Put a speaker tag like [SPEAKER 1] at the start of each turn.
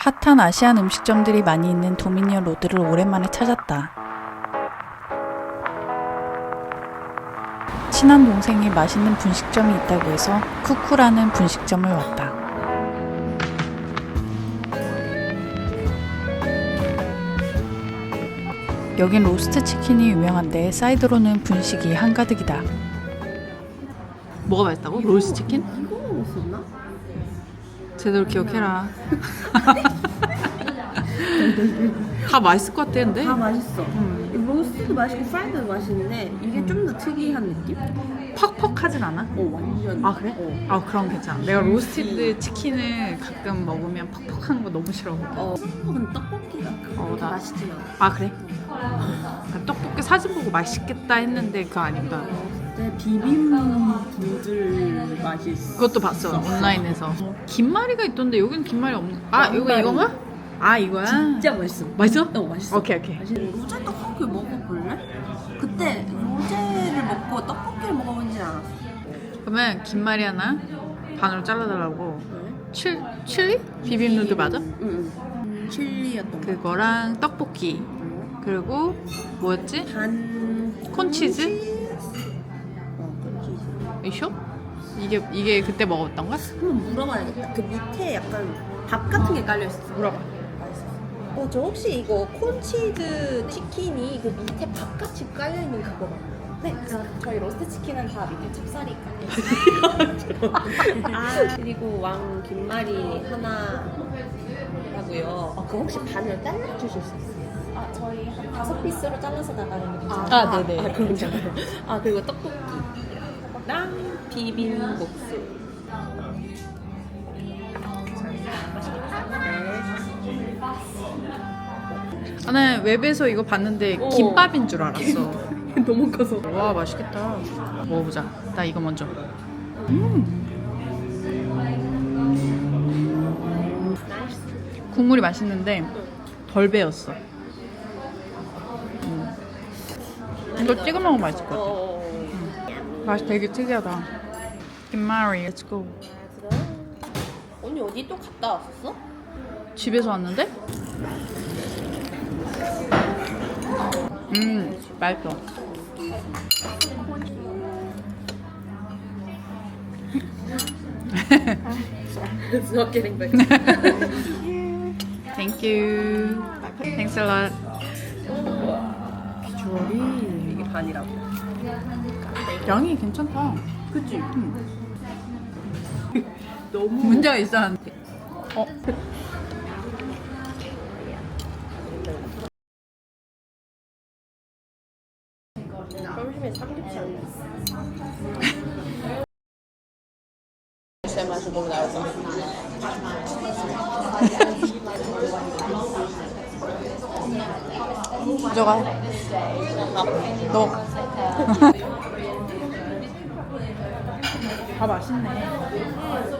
[SPEAKER 1] 핫한 아시안 음식점들이 많이 있는 도미니언 로드를 오랜만에 찾았다. 친한 동생이 맛있는 분식점이 있다고 해서 쿠쿠라는 분식점을 왔다. 여긴 로스트 치킨이 유명한데 사이드로는 분식이 한가득이다. 뭐가 맛있다고? 로스트 치킨?
[SPEAKER 2] 이거 먹었었나?
[SPEAKER 1] 제대로 기억해라. 다 맛있을 것 같았는데?
[SPEAKER 2] 다 맛있어. 로스트도 맛있고 프라이드도 맛있는데 이게 좀 더 특이한 느낌?
[SPEAKER 1] 퍽퍽하진 않아?
[SPEAKER 2] 완전.
[SPEAKER 1] 아 그래? 아 그럼 괜찮아. 내가 로스티드 치킨을 가끔 먹으면 퍽퍽한 거 너무 싫어.
[SPEAKER 2] 근데 떡볶이가 그렇게
[SPEAKER 1] 나-
[SPEAKER 2] 맛있진 않아.
[SPEAKER 1] 아 그래? 떡볶이 사진 보고 맛있겠다 했는데 그거 아니다.
[SPEAKER 2] 그때 비빔 맛있어.
[SPEAKER 1] 그것도 봤어 온라인에서. 김말이가 있던데 여기는 김말이 없는. 아 이거 이건가? 아 이거야?
[SPEAKER 2] 진짜 맛있어.
[SPEAKER 1] 맛있어?
[SPEAKER 2] 맛있어.
[SPEAKER 1] 오케이.
[SPEAKER 2] 로제 떡볶이 먹어볼래? 그때 로제를 먹고 떡볶이를 먹어본진 않았어.
[SPEAKER 1] 그러면 김말이 하나 반으로 잘라달라고. 칠리? 비빔 누들 맞아?
[SPEAKER 2] 응. 칠리였던 거.
[SPEAKER 1] 그거랑 떡볶이. 그리고 뭐였지? 콘치즈?
[SPEAKER 2] 콘치즈.
[SPEAKER 1] 이쇼? 이게 그때 먹었던 거야?
[SPEAKER 2] 한번 물어봐야겠다. 그 밑에 약간 밥 같은 게 깔려 있었어.
[SPEAKER 1] 물어봐.
[SPEAKER 2] 저 혹시 이거 콘치즈 치킨이 그 밑에 밥같이 깔려 있는 그거 맞나요?
[SPEAKER 3] 네, 저희 로스트 치킨은 다 밑에 찹쌀이 깔려있어요.
[SPEAKER 2] 그리고 왕 김말이 하나라고요. 그거 혹시 반을 잘라 주실 수 있어요?
[SPEAKER 3] 저희 한 5피스로 잘라서 나가는 게 괜찮아요.
[SPEAKER 1] 네네.
[SPEAKER 2] 그럼 괜찮아요. 그리고 떡볶이랑 비빔국수.
[SPEAKER 1] 나는 웹에서 이거 봤는데 김밥인 줄 알았어.
[SPEAKER 2] 너무 커서.
[SPEAKER 1] 와 맛있겠다. 먹어보자. 나 이거 먼저. 국물이 맛있는데 덜 배웠어. 이거 찍어 먹으면 맛있을 것 같아. 맛이 되게 특이하다. 김말이, let's go.
[SPEAKER 2] 언니 어디 또 갔다 왔었어?
[SPEAKER 1] 집에서 왔는데? 맛있어.
[SPEAKER 2] It's not getting back.
[SPEAKER 1] Thank you. Thanks a lot. 비주얼이
[SPEAKER 2] 이게 반이라고.
[SPEAKER 1] 양이 괜찮다.
[SPEAKER 2] 그치?
[SPEAKER 1] 너무 문제가 있었는데.
[SPEAKER 2] 점심에 삼겹살 제 맛이 너무 나올 것 같아.
[SPEAKER 1] 가져가. 너. 다 맛있네.